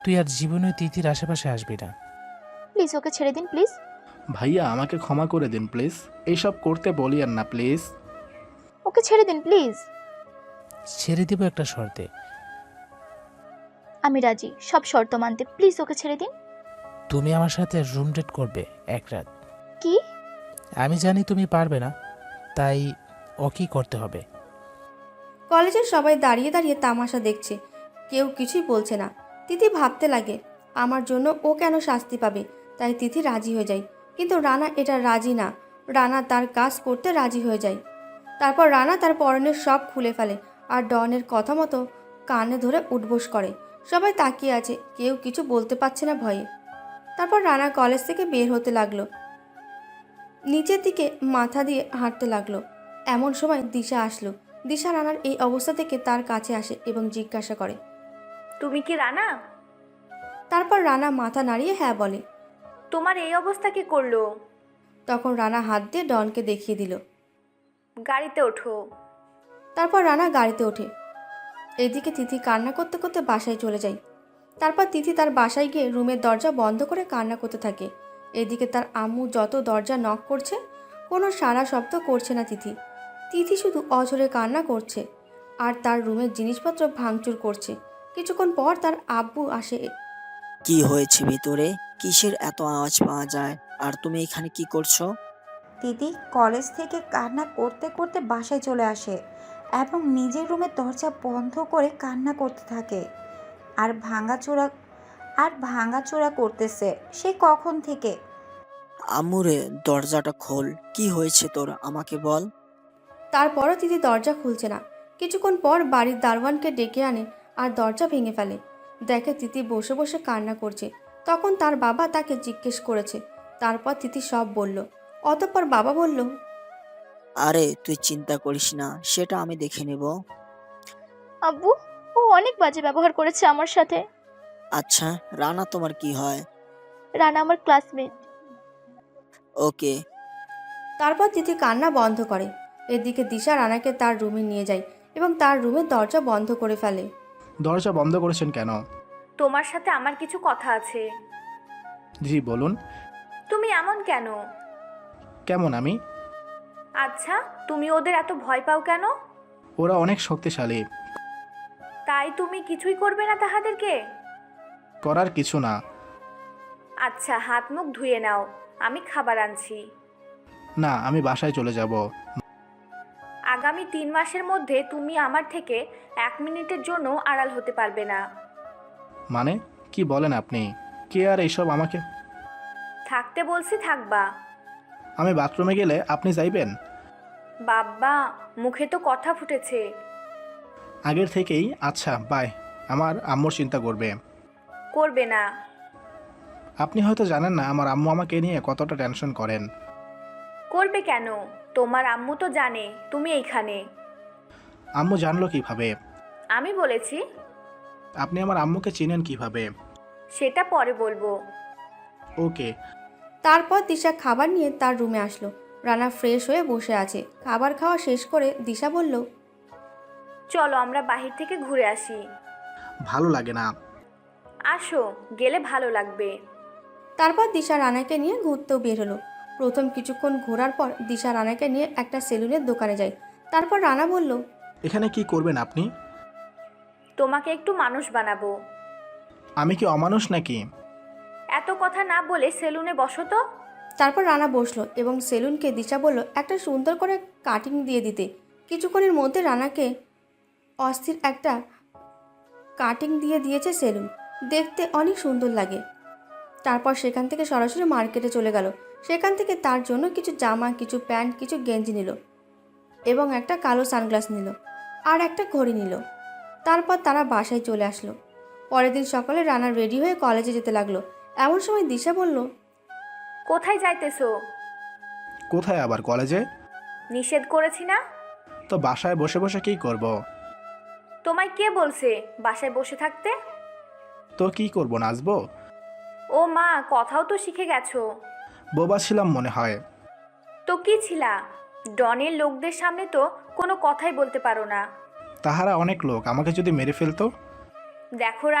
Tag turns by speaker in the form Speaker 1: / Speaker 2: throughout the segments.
Speaker 1: তুই আর জীবনে তিথির আশেপাশে আসবি না।
Speaker 2: প্লিজ ওকে ছেড়ে দিন প্লিজ।
Speaker 3: ভাইয়া আমাকে ক্ষমা করে দিন প্লিজ, এইসব করতে বলিয়েন না প্লিজ।
Speaker 2: ওকে ছেড়ে দিন প্লিজ।
Speaker 1: ছেড়ে দিব একটা শর্তে।
Speaker 2: আমি রাজি সব শর্ত মানতে, প্লিজ ওকে ছেড়ে দিন।
Speaker 1: তুমি আমার সাথে রুম ডেট করবে এক রাত।
Speaker 2: কি?
Speaker 1: আমি জানি তুমি পারবে না, তাই ওকেই করতে হবে।
Speaker 4: কলেজের সবাই দাঁড়িয়ে দাঁড়িয়ে তামাশা দেখছে, কেউ কিছুই বলছে না। তিথি ভাবতে লাগে আমার জন্য ও কেন শাস্তি পাবে, তাই তিথি রাজি হয়ে যায়। কিন্তু রানা এটা রাজি না। রানা তার কাজ করতে রাজি হয়ে যায়। তারপর রানা তার পরনের সব খুলে ফেলে আর ডনের কথা মতো কানে ধরে উঠবোস করে। সবাই তাকিয়ে আছে, কেউ কিছু বলতে পারছে না ভয়ে। তারপর রানা কলেজ থেকে বের হতে লাগলো, নিচের দিকে মাথা দিয়ে হাঁটতে লাগলো। এমন সময় দিশা আসলো। দিশা রানার এই অবস্থা থেকে তার কাছে আসে এবং জিজ্ঞাসা করে,
Speaker 5: তুমি কি রানা?
Speaker 4: তারপর রানা মাথা নাড়িয়ে হ্যাঁ বলে।
Speaker 5: তোমার এই অবস্থা কি করলো?
Speaker 4: তখন রানা হাত দিয়ে ডনকে দেখিয়ে দিল।
Speaker 5: গাড়িতে ওঠো।
Speaker 4: তারপর রানা গাড়িতে ওঠে। এদিকে তিথি কান্না করতে করতে বাসায় চলে যায়। তারপর তিথি তার বাসায় গিয়ে রুমের দরজা বন্ধ করে কান্না করতে থাকে। এদিকে তার আম্মু যত দরজা নক করছে, কোনো সাড়া শব্দ করছে না তিথি। তিথি শুধু অঝরে কান্না করছে আর তার রুমের জিনিসপত্র ভাঙচুর করছে। কিছুক্ষণ পর তার আব্বু আসে।
Speaker 6: কি হয়েছে ভিতরে? কিসের এত আওয়াজ পাওয়া যায়? আর তুমি এখানে কি করছো?
Speaker 7: দিদি কলেজ থেকে কান্না করতে করতে বাসায় চলে আসে এবং নিজের রুমের দরজা বন্ধ করে কান্না করতে থাকে আর ভাঙাচোরা করতেছে সে কখন থেকে।
Speaker 6: আম্মুরে, দরজাটা খোল। কি হয়েছে তোর, আমাকে বল।
Speaker 4: তারপরও তিথি দরজা খুলছে না। কিছুক্ষণ পর বাড়ির দারোয়ানকে ডেকে আনে আর দরজা ভেঙে ফেলে। দেখে তিথি বসে বসে কান্না করছে। তখন তার বাবা তাকে জিজ্ঞেস করেছে। তারপর তিথি সব বলল। অতঃপর বাবা বলল,
Speaker 6: আরে তুই চিন্তা করিস না, সেটা আমি দেখে নেব।
Speaker 2: আব্বু, ও অনেক বাজে ব্যবহার করেছে আমার সাথে।
Speaker 6: আচ্ছা, রানা তোমার কি হয়?
Speaker 2: রানা আমার ক্লাসমেট।
Speaker 6: ওকে।
Speaker 4: তারপর তিথি কান্না বন্ধ করে। এদিকে দিশা রানাকে তার রুমে নিয়ে যায় এবং তার রুমের দরজা বন্ধ করে ফেলে।
Speaker 3: দরজা বন্ধ করেছেন কেন?
Speaker 5: তোমার সাথে আমার কিছু কথা আছে।
Speaker 3: জি বলুন।
Speaker 5: তুমি এমন কেন?
Speaker 3: কেমন আমি?
Speaker 5: আচ্ছা, তুমি ওদের এত ভয় পাও কেন?
Speaker 3: ওরা অনেক শক্তিশালী।
Speaker 5: তাই তুমি কিছুই করবে না তাহাদেরকে?
Speaker 3: করার কিছু না।
Speaker 5: আচ্ছা, হাত মুখ ধুয়ে নাও, আমি খাবার আনছি।
Speaker 3: না, আমি বাসায় চলে যাব।
Speaker 5: আগামী 3 মাসের মধ্যে তুমি আমার থেকে 1 মিনিটের জন্য আড়াল হতে পারবে না।
Speaker 3: মানে কি বলেন আপনি? কে আর এইসব আমাকে?
Speaker 5: থাকতে বলছি থাকবা।
Speaker 3: আমি বাথরুমে গেলে আপনি যাইবেন?
Speaker 5: বাব্বা, মুখে তো কথা ফুটেছে।
Speaker 3: আগের থেকেই। আচ্ছা বাই। আমার আম্মুর চিন্তা করবে।
Speaker 5: করবে না।
Speaker 3: আপনি হয়তো জানেন না আমার আম্মু আমাকে নিয়ে কতটা টেনশন করেন।
Speaker 5: করবে কেন? তোমার আম্মু তো জানে তুমি এইখানে।
Speaker 3: আম্মু জানলো কিভাবে?
Speaker 5: আমি বলেছি।
Speaker 3: আপনি আমার আম্মুকে চিনেন কিভাবে?
Speaker 5: সেটা পরে বলবো।
Speaker 3: ওকে।
Speaker 4: তারপর দিশা খাবার নিয়ে তার রুমে আসলো। রানা ফ্রেশ হয়ে বসে আছে। খাবার খাওয়া শেষ করে দিশা বলল,
Speaker 5: চলো আমরা বাহির থেকে ঘুরে আসি।
Speaker 3: ভালো লাগে না।
Speaker 5: আসো, গেলে ভালো লাগবে।
Speaker 4: তারপর দিশা রানাকে নিয়ে ঘুরতেও বের হলো। প্রথম কিছুক্ষণ ঘোরার পর দিশা রানাকে নিয়ে একটা সেলুনের দোকানে যায়। তারপর রানা বলল,
Speaker 3: এখানে কি করবেন আপনি?
Speaker 5: তোমাকে একটু মানুষ বানাবো।
Speaker 3: আমি কি অমানুষ নাকি?
Speaker 5: এত কথা না বলে সেলুনে বসো তো।
Speaker 4: তারপর রানা বসলো এবং সেলুনকে দিশা বলল একটা সুন্দর করে কাটিং দিয়ে দিতে। কিছুক্ষণের মধ্যে রানাকে অস্থির একটা কাটিং দিয়ে দিয়েছে সেলুন। দেখতে অনেক সুন্দর লাগে। তারপর সেখান থেকে সরাসরি মার্কেটে চলে গেল। সেখান থেকে তার জন্য কিছু জামা, কিছু প্যান্ট, কিছু গেঞ্জি নিল এবং একটা কালো সানগ্লাস নিল আর একটা ঘড়ি নিল। তারপর তারা বাসায় চলে আসলো। পরের দিন সকালে রানা রেডি হয়ে কলেজে যেতে লাগলো। এমন সময় দিশা বলল,
Speaker 5: কোথায় যাইতেছো?
Speaker 3: কোথায় আবার কলেজে?
Speaker 5: নিষেধ করেছি না?
Speaker 3: তো বাসায় বসে বসে কি করব?
Speaker 5: তোমায় কে বলছে বাসায় বসে থাকতে?
Speaker 3: তো কি করব, নাচবো?
Speaker 5: ও মা, কথাও তো শিখে গেছো।
Speaker 3: বোবা ছিলাম মনে হয়।
Speaker 5: তো কি ছিলা? ডনের লোকদের সামনে তো কোনো কথাই বলতে পারো না।
Speaker 3: তাহারা অনেক লোক, আমাকে যদি মেরে ফেলতো?
Speaker 5: দেখো রানা,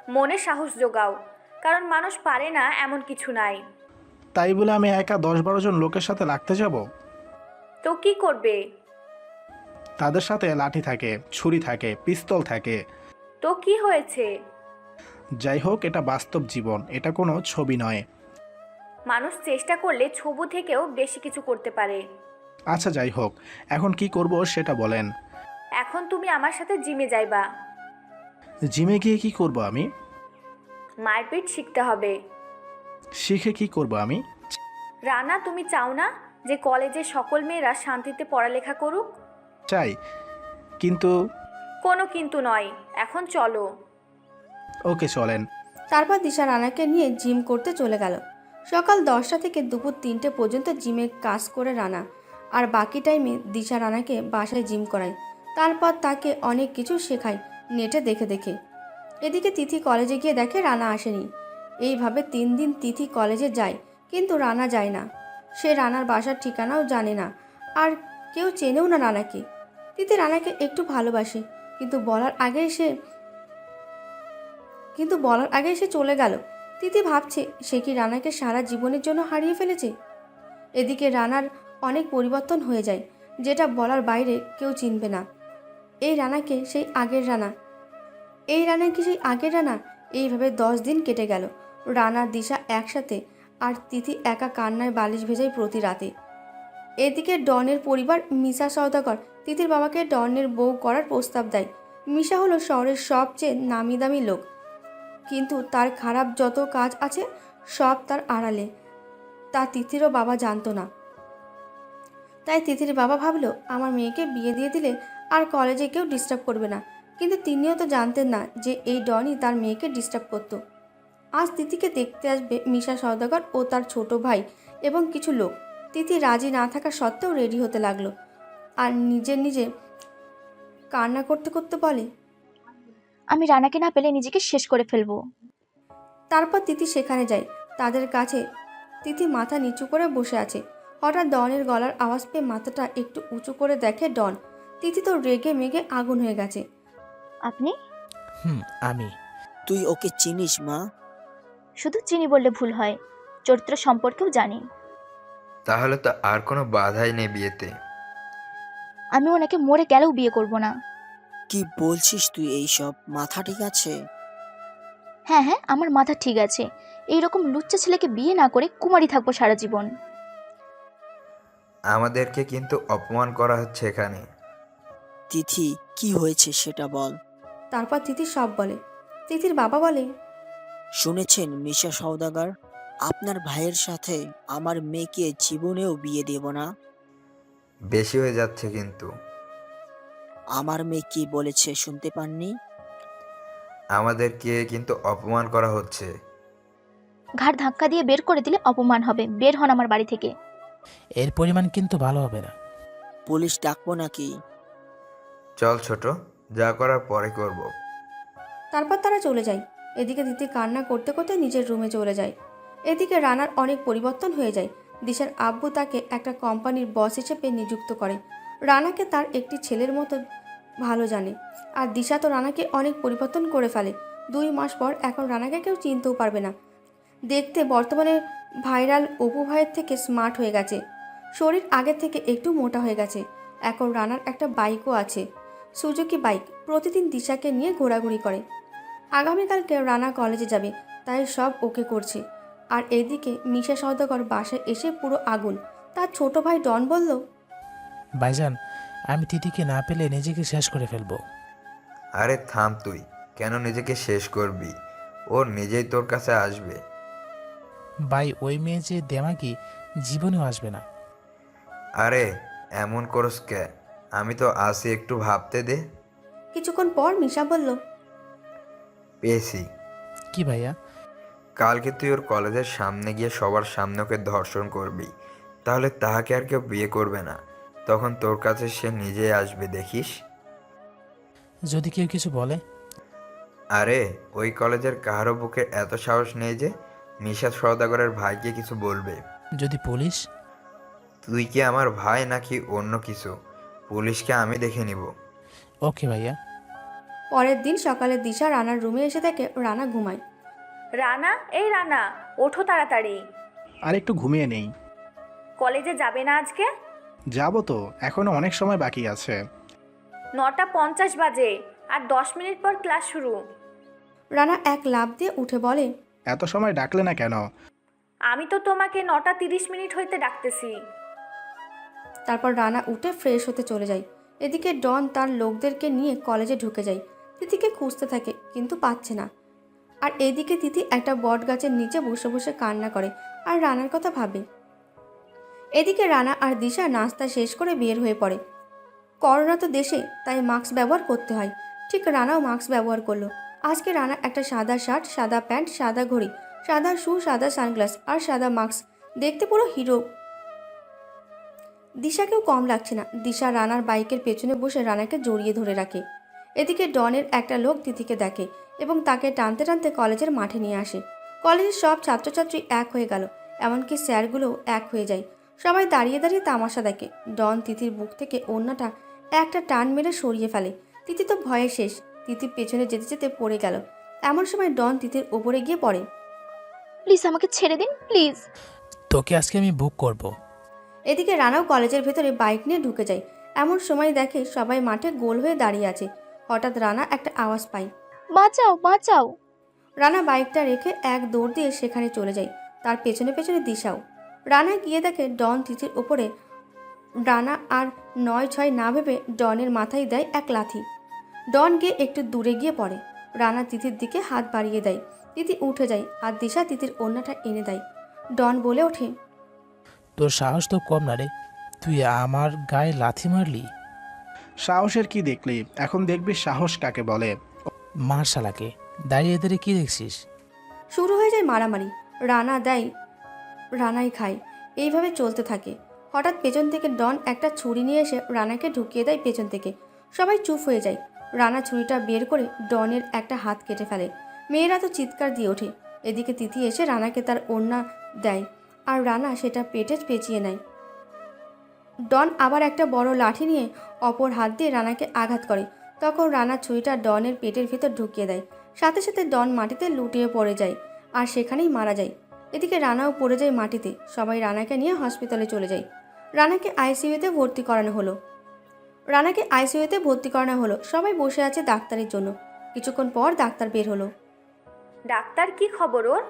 Speaker 5: মনে সাহস জোগাও, কারণ মানুষ পারে না এমন কিছু নাই।
Speaker 3: তাই বলে আমি একা 10-12 জন লোকের সাথে লাগতে যাব?
Speaker 5: তো কি করবে?
Speaker 3: তাদের সাথে লাঠি থাকে, ছুরি থাকে, পিস্তল থাকে।
Speaker 5: তো কি হয়েছে?
Speaker 3: যাই হোক, এটা বাস্তব জীবন, এটা কোনো ছবি নয়।
Speaker 5: মানুষ চেষ্টা করলে ছবু থেকেও বেশি কিছু করতে পারে।
Speaker 3: আচ্ছা যাই হোক, এখন কি করব সেটা বলেন।
Speaker 5: এখন তুমি আমার সাথে জিমে যাইবা।
Speaker 3: জিমে গিয়ে কি করব আমি?
Speaker 5: মারপিট শিখতে হবে।
Speaker 3: শিখে কি করব আমি?
Speaker 5: রানা, তুমি চাও না যে কলেজে সকল মেয়েরা শান্তিতে পড়ালেখা করুক?
Speaker 3: চাই, কিন্তু
Speaker 5: কোনো কিন্তু নয়, এখন চলো।
Speaker 3: ওকে চলেন।
Speaker 4: তারপর দিশা রানাকে নিয়ে জিম করতে চলে গেল। সকাল 10টা থেকে দুপুর 3টে পর্যন্ত জিমে কাজ করে রানা, আর বাকি টাইমে দিশা রানাকে বাসায় জিম করায়। তারপর তাকে অনেক কিছু শেখায় নেটে দেখে দেখে। এদিকে তিথি কলেজে গিয়ে দেখে রানা আসেনি। এইভাবে 3 দিন তিথি কলেজে যায়, কিন্তু রানা যায় না। সে রানার বাসার ঠিকানাও জানে না, আর কেউ চেনেও না রানাকে। তিথি রানাকে একটু ভালোবাসে, কিন্তু বলার আগেই সে চলে গেল। তিথি ভাবছে সে কি রানাকে সারা জীবনের জন্য হারিয়ে ফেলেছে। এদিকে রানার অনেক পরিবর্তন হয়ে যায়, যেটা বলার বাইরে কেউ চিনবে না। এই রানা কি সেই আগের রানা? এইভাবে 10 দিন কেটে গেল। রানা দিশা একসাথে, আর তিথি একা কান্নায় বালিশ ভেজায় প্রতি রাতে। এদিকে ডনের পরিবার মিশা সওদাগর তিথির বাবাকে ডনের বউ করার প্রস্তাব দেয়। মিশা হলো শহরের সবচেয়ে নামি দামি লোক, কিন্তু তার খারাপ যত কাজ আছে সব তার আড়ালে, তা তিথিরও বাবা জানতো না। তাই তিথির বাবা ভাবলো আমার মেয়েকে বিয়ে দিয়ে দিলে আর কলেজে কেউ ডিস্টার্ব করবে না, কিন্তু তিনিও তো জানতেন না যে এই ডনই তার মেয়েকে ডিস্টার্ব করতো। আজ তিথিকে দেখতে আসবে মিশা সওদাগর ও তার ছোট ভাই এবং কিছু লোক। তিথি রাজি না থাকা সত্ত্বেও রেডি হতে লাগলো, আর নিজে কান্না করতে করতে বলে,
Speaker 2: আমি রানাকে না পেলে নিজেকে শেষ করে ফেলবো।
Speaker 4: তারপর তিথি সেখানে যায়। তাদের কাছে তিথি মাথা নিচু করে বসে আছে। হঠাৎ ডনের গলার আওয়াজ পেয়ে মাথাটা একটু উঁচু করে দেখে ডন। তিথি তো রেগে মেগে আগুন হয়ে গেছে।
Speaker 2: আপনি?
Speaker 1: আমি।
Speaker 6: তুই ওকে চিনিস মা?
Speaker 2: শুধু চিনি বললে ভুল হয়, চরিত্র সম্পর্কেও জানি।
Speaker 8: তাহলে তো আর কোনো বাধাই নেই বিয়েতে।
Speaker 2: আমি ওনাকে মরে গেলেও বিয়ে করব না।
Speaker 6: কি বলছিস তুই এইসব? মাথা ঠিক আছে?
Speaker 2: হ্যাঁ হ্যাঁ, আমার মাথা ঠিক আছে। এইরকম লুচ্চা ছেলেকে বিয়ে না করে কুমারী থাকবো সারা জীবন।
Speaker 8: আমাদেরকে কিন্তু অপমান করা হচ্ছে এখানে।
Speaker 6: তিথি, কি হয়েছে সেটা বল।
Speaker 4: তারপর তিথি সব বলে। তিথির বাবা বলে,
Speaker 6: শুনেছেন মিশা সওদাগর, আপনার ভাইয়ের সাথে আমার মেয়েকে জীবনেও বিয়ে দেব না।
Speaker 8: বেশি হয়ে যাচ্ছে কিন্তু।
Speaker 6: আমার মেয়ে কি বলেছে শুনতে পাননি?
Speaker 8: আমাদেরকে কিন্তু অপমান করা হচ্ছে।
Speaker 2: ঘাড় ধাক্কা দিয়ে বের করে দিলে অপমান হবে। বের হন আমার বাড়ি থেকে।
Speaker 1: এর পরিমাণ কিন্তু ভালো হবে না।
Speaker 6: পুলিশ ডাকবো নাকি?
Speaker 8: চল ছোট, যা করার পরে করব।
Speaker 4: তারপর তারা চলে যায়। এদিকে তিথি কান্না করতে করতে নিজের রুমে চলে যায়। এদিকে রানার অনেক পরিবর্তন হয়ে যায়। দিশার আব্বু তাকে একটা কোম্পানির বস হিসেবে নিযুক্ত করে। রানাকে তার একটি ছেলের মতো ভালো জানে, আর দিশা তো রানাকে অনেক পরিবর্তন করে ফেলে। 2 মাস পর এখন রানাকে কেউ চিনতেও পারবে না। দেখতে বর্তমানে ভাইরাল অপু ভাইয়ের থেকে স্মার্ট হয়ে গেছে। শরীর আগের থেকে একটু মোটা হয়ে গেছে। এখন রানার একটা বাইকও আছে, সুজুকি বাইক। প্রতিদিন দিশাকে নিয়ে ঘোরাঘুরি করে। আগামীকালকে রানা কলেজে যাবে, তাই সব ওকে করছে। আর এদিকে মিশা সওদাগর বাসায় এসে পুরো আগুন। তার ছোট ভাই ডন বলল,
Speaker 1: ভাইজান, আমি তিথিকে না পেলে নিজেকে শেষ করে ফেলবো।
Speaker 8: আরে থাম তুই, কেন নিজেকে শেষ করবি? ওর নিজেই তোর কাছে আসবে।
Speaker 1: ভাই, ওই মেয়ে যে দেমাকি, জীবনেও আসবে না।
Speaker 8: আরে এমন করস কে? আমি তো আসি, একটু ভাবতে দে।
Speaker 4: কিছুক্ষণ পর মিশা বলল,
Speaker 8: পেয়েছি।
Speaker 1: কি ভাইয়া?
Speaker 8: কালকে তুই ওর কলেজের সামনে গিয়ে সবার সামনে ওকে ধর্ষণ করবি, তাহলে তাহাকে আর কেউ বিয়ে করবে না। তখন তোর কাছে সে নিজেই আসবে, দেখিস।
Speaker 1: যদি কেউ কিছু বলে?
Speaker 8: আরে ওই কলেজের কারো বুকে এত সাহস নেই যে মিশা সওদাগরের ভাইকে কিছু বলবে।
Speaker 1: যদি পুলিশ?
Speaker 8: তুই কি আমার ভাই নাকি অন্য কিছু? পুলিশকে আমি দেখে নিব।
Speaker 1: ওকে ভাইয়া।
Speaker 4: পরের দিন সকালে দিশা রানার রুমে এসে দেখে রানা ঘুমায়।
Speaker 5: রানা, এই রানা, ওঠো তাড়াতাড়ি।
Speaker 3: আর একটু ঘুমিয়ে নেই।
Speaker 5: কলেজে যাবে না আজকে?
Speaker 3: যাবো তো, এখনো অনেক সময় বাকি আছে।
Speaker 5: 9:50 বাজে, আর 10 মিনিট পর ক্লাস শুরু।
Speaker 4: রানা এক লাফ দিয়ে উঠে বলে,
Speaker 3: এত সময় ডাকলে না কেন?
Speaker 5: আমি তো তোমাকে 9:30 হইতে ডাকতেছি।
Speaker 4: তারপর রানা উঠে ফ্রেশ হতে চলে যায়। এদিকে ডন তার লোকদেরকে নিয়ে কলেজে ঢুকে যায়। তিথিকে খুঁজতে থাকে কিন্তু পাচ্ছে না। আর এদিকে তিথি একটা বট গাছের নিচে বসে বসে কান্না করে আর রানার কথা ভাবে। এদিকে রানা আর দিশা নাস্তা শেষ করে বের হয়ে পড়ে। করোনা তো দেশে, তাই মাস্ক ব্যবহার করতে হয়। ঠিক রানাও মাস্ক ব্যবহার করলো। আজকে রানা একটা সাদা শার্ট, সাদা প্যান্ট, সাদা ঘড়ি, সাদা শু, সাদা সানগ্লাস আর সাদা মাস্ক, দেখতে পুরো হিরো। দিশাকেও কম লাগছে না। দিশা রানার বাইকের পেছনে বসে রানাকে জড়িয়ে ধরে রাখে। এদিকে ডনের একটা লোক তিথিকে দেখে এবং তাকে টানতে টানতে কলেজের মাঠে নিয়ে আসে। কলেজের সব ছাত্রছাত্রী এক হয়ে গেল, এমনকি স্যারগুলোও এক হয়ে যায়। সবাই দাঁড়িয়ে দাঁড়িয়ে তামাশা দেখে। ডন তিথির বুক থেকে ওড়নাটা একটা টান মেরে সরিয়ে ফেলে। তিথি তো ভয়ে শেষ। তিথি পেছনে যেতে যেতে পড়ে গেল। এমন সময় ডন তিথির ওপরে গিয়ে পড়ে।
Speaker 2: প্লিজ আমাকে ছেড়ে দিন, প্লিজ।
Speaker 1: তোকে আজকে আমি বুক করব।
Speaker 4: এদিকে রানাও কলেজের ভেতরে বাইক নিয়ে ঢুকে যায়। এমন সময় দেখে সবাই মাঠে গোল হয়ে দাঁড়িয়ে আছে। হঠাৎ রানা একটা আওয়াজ পায়,
Speaker 2: বাঁচাও, বাঁচাও।
Speaker 4: রানা বাইকটা রেখে এক দৌড় দিয়ে সেখানে চলে যায়। তার পেছনে পেছনে দিশাও। রানা গিয়ে দেখে ডন তিথির ওপরে। রানা আর 9-6 না ভেবে ডনের মাথায় দেয় এক লাথি। ডন গিয়ে একটু দূরে গিয়ে পড়ে। রানা তিথির দিকে হাত বাড়িয়ে দেয়। তিথি উঠে যায় আর দিশা তিথির ওড়নাটা এনে দেয়। ডন বলে ওঠে,
Speaker 1: তোর সাহস তো কম না রে, তুই আমার গায়ে লাথি মারলি।
Speaker 3: সাহসের কি দেখলি? এখন দেখবি সাহস কাকে বলে।
Speaker 1: মার শালাকে, দাঁড়িয়ে দাঁড়িয়ে কি দেখছিস?
Speaker 4: শুরু হয়ে যায় মারামারি। রানা দেয়, রানাই খায়। এইভাবে চলতে থাকে। হঠাৎ পেছন থেকে ডন একটা ছুরি নিয়ে এসে রানাকে ঢুকিয়ে দেয় পেছন থেকে। সবাই চুপ হয়ে যায়। রানা ছুরিটা বের করে ডনের একটা হাত কেটে ফেলে। মেয়েরা তো চিৎকার দিয়ে ওঠে। এদিকে তিথি এসে রানাকে তার ওড়না দেয় আর রানা সেটা পেটে পেঁচিয়ে নেয়। ডন আবার একটা বড় লাঠি নিয়ে অপর হাত দিয়ে রানাকে আঘাত করে। তখন রানা ছুরিটা ডনের পেটের ভিতর ঢুকিয়ে দেয়। সাথে সাথে ডন মাটিতে লুটিয়ে পড়ে যায় আর সেখানেই মারা যায়। এদিকে রানাও পড়ে যায় মাটিতে। সবাই রানাকে নিয়ে হসপিটালে চলে যায়। রানাকে আইসিইউতে ভর্তি করানো হলো। সবাই বসে আছে ডাক্তারের জন্য। কিছুক্ষণ পর ডাক্তার বের হলো।
Speaker 5: ডাক্তার, কি খবর ওর?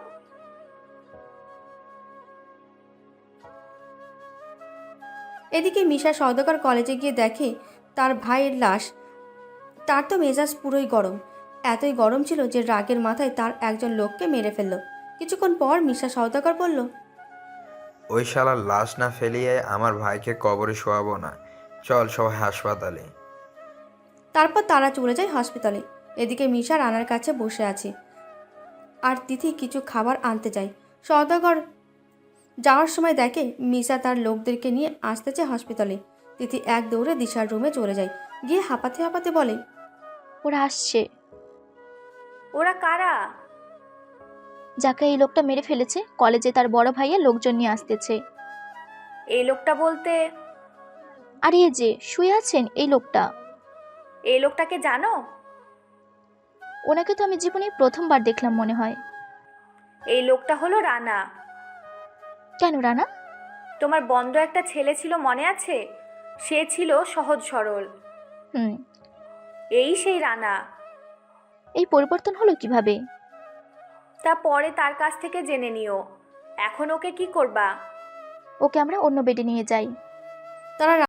Speaker 4: এদিকে মিশা সওদাগর কলেজে গিয়ে দেখে তার ভাইয়ের লাশ। তার তো মেজাজ পুরোই গরম। এতই গরম ছিল যে রাগের মাথায় তার একজন লোককে মেরে ফেলল। কিছুক্ষণ পর মিশা সওদাগর বলল,
Speaker 8: ওই শালার লাশ না ফেলিয়ে আমার ভাইকে কবরে শোয়াবো না। চল সবাই হাসপাতালে।
Speaker 4: তারপর তারা চলে যায় হসপিটালে। এদিকে মিশা রানার কাছে বসে আছে আর তিথি কিছু খাবার আনতে যায়। সওদাগর যাওয়ার সময় দেখে মিশা তার লোকদেরকে নিয়ে আসতেছে হসপিটালে। তিথি এক দৌড়ে দিশার রুমে চলে যায়। গিয়ে হাঁপাতে হাঁপাতে বলে,
Speaker 2: ওরা আসছে।
Speaker 5: ওরা কারা?
Speaker 2: যাকে এই লোকটা মেরে ফেলেছে, কলেজে তার বড় ভাইয়া লোকজন নিয়ে আসতেছে।
Speaker 5: এই লোকটা বলতে?
Speaker 2: আর এই যে শুয়ে আছেন এই লোকটা।
Speaker 5: এই লোকটাকে জানো?
Speaker 2: ওনাকে তো আমি জীবনে প্রথমবার দেখলাম মনে হয়।
Speaker 5: এই লোকটা হলো রানা।
Speaker 2: কেন রানা?
Speaker 5: তোমার বন্ধ একটা ছেলে ছিল, মনে আছে? সে ছিল সহজ সরল।
Speaker 2: হুম।
Speaker 5: এই সেই রানা।
Speaker 2: এই পরিবর্তন হলো কিভাবে?
Speaker 5: তা পরে তার কাছ থেকে জেনে নিও। এখন ওকে কি করবা?
Speaker 2: ওকে আমরা অন্য বেডে নিয়ে যাই।
Speaker 4: তারা